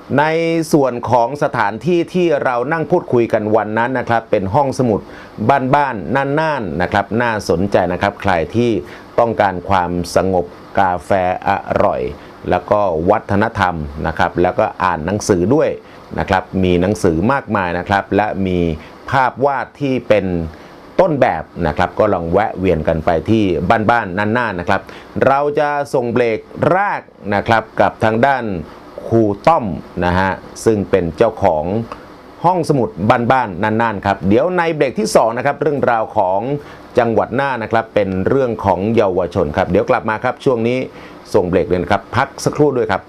ในส่วนของสถานที่ที่เรานั่งพูดคุยกันวันนั้นนะครับเป็นห้องสมุดบ้านๆน่านๆนะครับน่าสนใจนะครับใครที่ต้องการความสงบกาแฟอร่อยแล้วก็วัฒนธรรมนะครับแล้วก็อ่านหนังสือด้วยนะครับมีหนังสือมากมายนะครับและมีภาพวาดที่เป็นต้นแบบนะครับก็ลองแวะเวียนกันไปที่บ้านๆน่านๆนะครับเราจะส่งเบรกแรกนะครับกับทางด้านครูต้อมนะฮะซึ่งเป็นเจ้าของห้องสมุดบ้านๆน่านๆครับเดี๋ยวในเบรกที่2นะครับเรื่องราวของจังหวัดน่านนะครับเป็นเรื่องของเยาวชนครับเดี๋ยวกลับมาครับช่วงนี้ส่งเบรกเลยนะครับพักสักครู่ด้วยครับ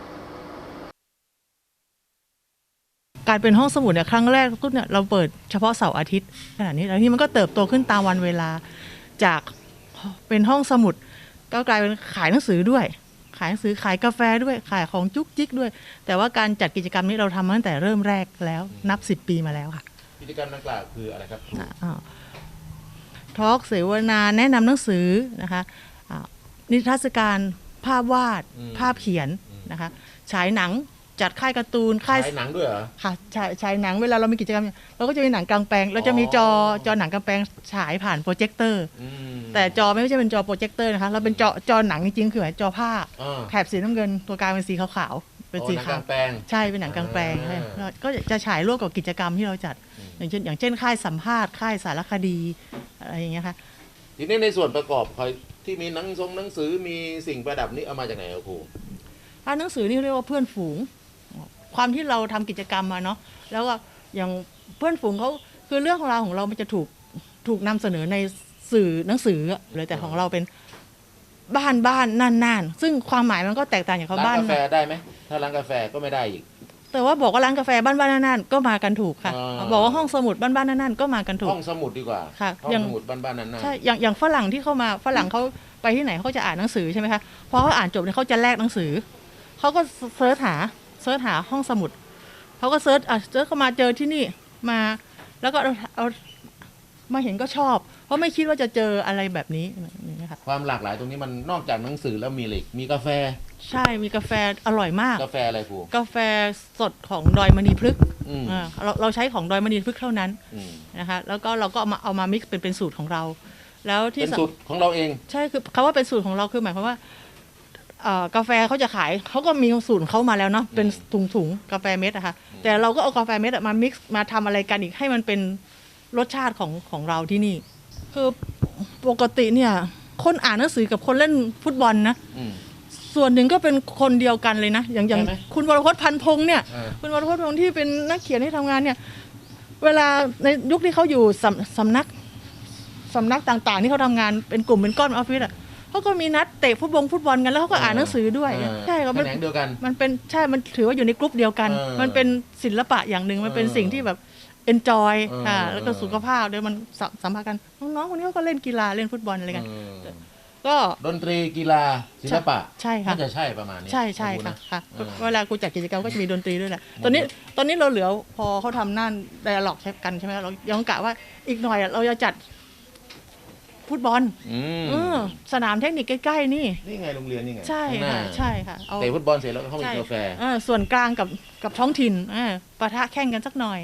การเป็นห้องสมุดเนี่ยครั้งแรกเนี่ยเราเปิดเฉพาะเสาร์อาทิตย์ขนาดนี้แล้วที่มันก็เติบโตขึ้นตามวันเวลาจากเป็นห้องสมุดก็กลายเป็นขายหนังสือด้วยขายหนังสือขายกาแฟด้วยขายของจุกจิกด้วยแต่ว่าการจัดกิจกรรมนี้เราทำมาตั้งแต่เริ่มแรกแล้วนับ10 ปีมาแล้วค่ะกิจกรรมดังกล่าวคืออะไรครับทอล์กเสวนาแนะนำหนังสือนะคะนิทรรศการภาพวาดภาพเขียนนะคะฉายหนังจัดค่ายการ์ตูนค่ายหนังด้วยเหรอค่ะฉายหนังเวลาเรามีกิจกรรมเราก็จะมีหนังกลางแปลงเราจะมีจอหนังกลางแปลงฉายผ่านโปรเจคเตอร์แต่จอไม่ใช่เป็นจอโปรเจคเตอร์นะคะเราเป็นจอหนังจริงๆคือจอผ้าแถบสีน้ำเงินตัวกลางเป็นสีขาวๆเป็นสีขาวใช่เป็นหนังกลางแปลงก็จะฉายร่วมกับกิจกรรมที่เราจัดอย่างเช่นค่ายสัมภาษณ์ค่ายสารคดีอะไรอย่างเงี้ยค่ะทีนี้ในส่วนประกอบที่มีหนังสือมีสิ่งประดับนี้เอามาจากไหนครับครูหนังสือนี่เรียกว่าเพื่อนฝูงความที่เราทำกิจกรรมมาเนาะแล้วก็อย่างเพื่อนฝูงเขาคือเรื่องของเรามันจะถูกนำเสนอในสื่อหนังสือเลยแต่ของเราเป็นบ้านน่านซึ่งความหมายมันก็แตกต่างจากเขาบ้านร้านกาแฟได้ไหมถ้าร้านกาแฟก็ไม่ได้อีกแต่ว่าบอกว่าร้านกาแฟบ้านน่านก็มากันถูกค่ะบอกว่าห้องสมุดบ้านน่านก็มากันถูกห้องสมุดดีกว่าค่ะห้องสมุดบ้านน่านใช่อย่างฝรั่งที่เข้ามาฝรั่งเขาไปที่ไหนเขาจะอ่านหนังสือใช่ไหมคะพอเขาอ่านจบเนี่ยเขาจะแลกหนังสือเขาก็เสิร์ชหาห้องสมุดเขาก็เสิร์ชเข้ามาเจอที่นี่มาแล้วก็เอามาเห็นก็ชอบเพราะไม่คิดว่าจะเจออะไรแบบนี้นะคะความหลากหลายตรงนี้มันนอกจากหนังสือแล้วมีอะไรมีกาแฟใช่มีกาแฟอร่อยมากกาแฟอะไรครูกาแฟสดของดอยมณีพฤกษ์เราใช้ของดอยมณีพฤกษ์เท่านั้นนะคะแล้วก็เราก็เอามามิกซ์เป็นสูตรของเราแล้วที่เป็นสูตรของเราเองใช่คือคำว่าเป็นสูตรของเราคือหมายความว่ากาแฟเขาจะขายเขาก็มีสูตรเขามาแล้วเนาะเป็นถุงกาแฟเม็ดอะค่ะแต่เราก็เอากาแฟเม็ดมามิกซ์มาทำอะไรกันอีกให้มันเป็นรสชาติของเราที่นี่คือปกติเนี่ยคนอ่านหนังสือกับคนเล่นฟุตบอลนะส่วนหนึ่งก็เป็นคนเดียวกันเลยนะอย่างคุณวรพจน์พันพงษ์เนี่ยคุณวรพจน์พันพงษ์ที่เป็นนักเขียนที่ทำงานเนี่ยเวลาในยุคที่เขาอยู่สำนักต่างๆที่เขาทำงานเป็นกลุ่มเป็นก้อนออฟฟิศอะเขาก็มีนัดเตะฟุตบอลกันแล้วเขาก็อ่านหนังสือด้วยใช่ครับมันเดียวกันมันเป็นใช่มันถือว่าอยู่ในกลุ่มเดียวกันมันเป็นศิลปะอย่างหนึ่งมันเป็นสิ่งที่แบบenjoy แล้วก็สุขภาพด้วยมันสัมพันธ์กันน้องๆคนนี้เขาก็เล่นกีฬาเล่นฟุตบอลอะไรกันก็ดนตรีกีฬาศิลปะใช่ค่ะน่าจะใช่ประมาณนี้ใช่ค่ะเวลากูจัดกิจกรรมก็จะมีดนตรีด้วยแหละตอนนี้เราเหลือพอเขาทำนั่นไดอะล็อกใช้กันใช่ไหมเรายังกะว่าอีกหน่อยเราจะจัดฟุตบอลสนามเทคนิคใกล้ๆนี่ไงโรงเรียนนี่ไงใช่ค่ะเตะฟุตบอลเสร็จแล้วก็เข้าไปกินกาแฟส่วนกลางกับท้องถิ่นปะทะแข่งกันสักหน่อย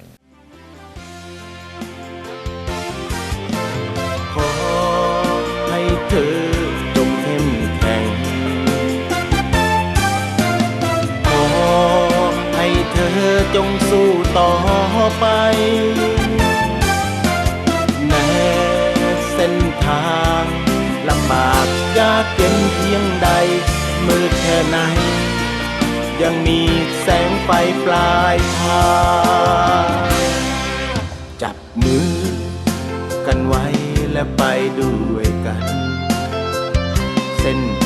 ขอให้เธอจงเข้มแข็งขอให้เธอจงสู้ต่อไปแม้เส้นทางลำบากยากเย็นเพียงใดมืดแค่ไหนยังมีแสงไฟปลายทางจับมือกันไว้และไปด้วยกันเส้น